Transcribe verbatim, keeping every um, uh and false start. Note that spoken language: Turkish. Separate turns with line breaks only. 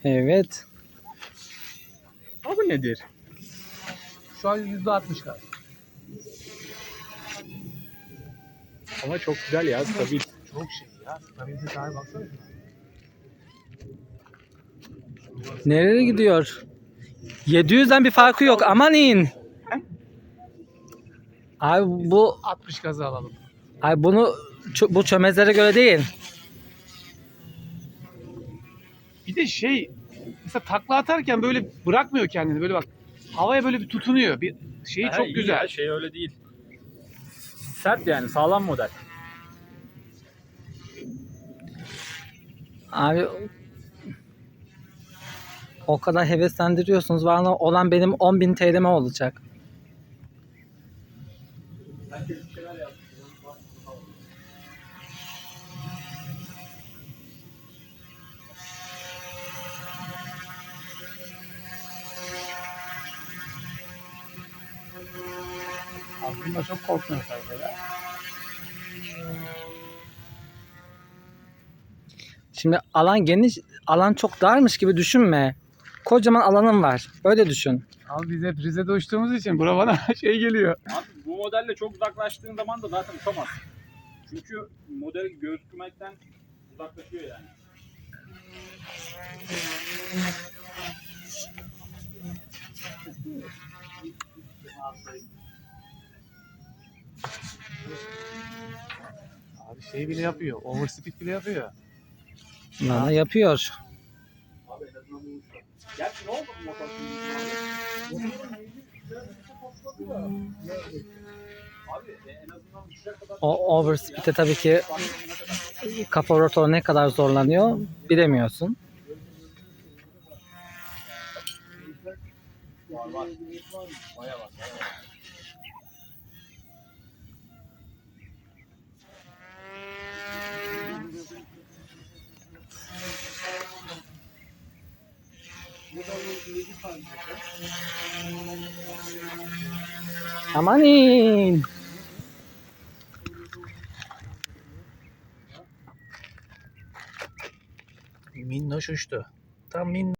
Evet.
Bu nedir? Şu an yüzde altmış gaz. Ama çok güzel ya, stabil. Çok şey ya, stabilite sahibi baksana şuna.
Nereye gidiyor? yedi yüzden bir farkı yok. Aman in. Abi bu
altmış gazı alalım.
ay bunu çö- bu çömezlere göre değil.
Bir de şey, mesela takla atarken böyle bırakmıyor kendini, böyle bak havaya böyle bir tutunuyor. Bir şeyi
Ha,
çok
iyi
güzel.
ya, şey öyle değil. Sert yani, sağlam model.
Abi o kadar heveslendiriyorsunuz. Bana olan benim on bin T L'me olacak.
Aslında çok korkmuyor tabii böyle.
Şimdi alan geniş, alan çok darmış gibi düşünme. Kocaman alanım var. Böyle düşün.
Abi biz hep Rize'de uçtuğumuz için bura bana şey geliyor.
Abi bu modelle çok uzaklaştığın zaman da zaten uçamazsın. Çünkü model gözükmekten uzaklaşıyor yani.
Abi şey bile yapıyor, overspeed bile yapıyor.
Bana yapıyor.
Abi en azından bu uçtu. Gerçi ne oldu bu motor şimdi? Abi en azından uçacak kadar...
O overspeed'e tabii ki kafa rotor ne kadar zorlanıyor bilemiyorsun.
Var var. Baya var. Baya var.
Amanin.
Minnoş uçtu. Tam minnoş.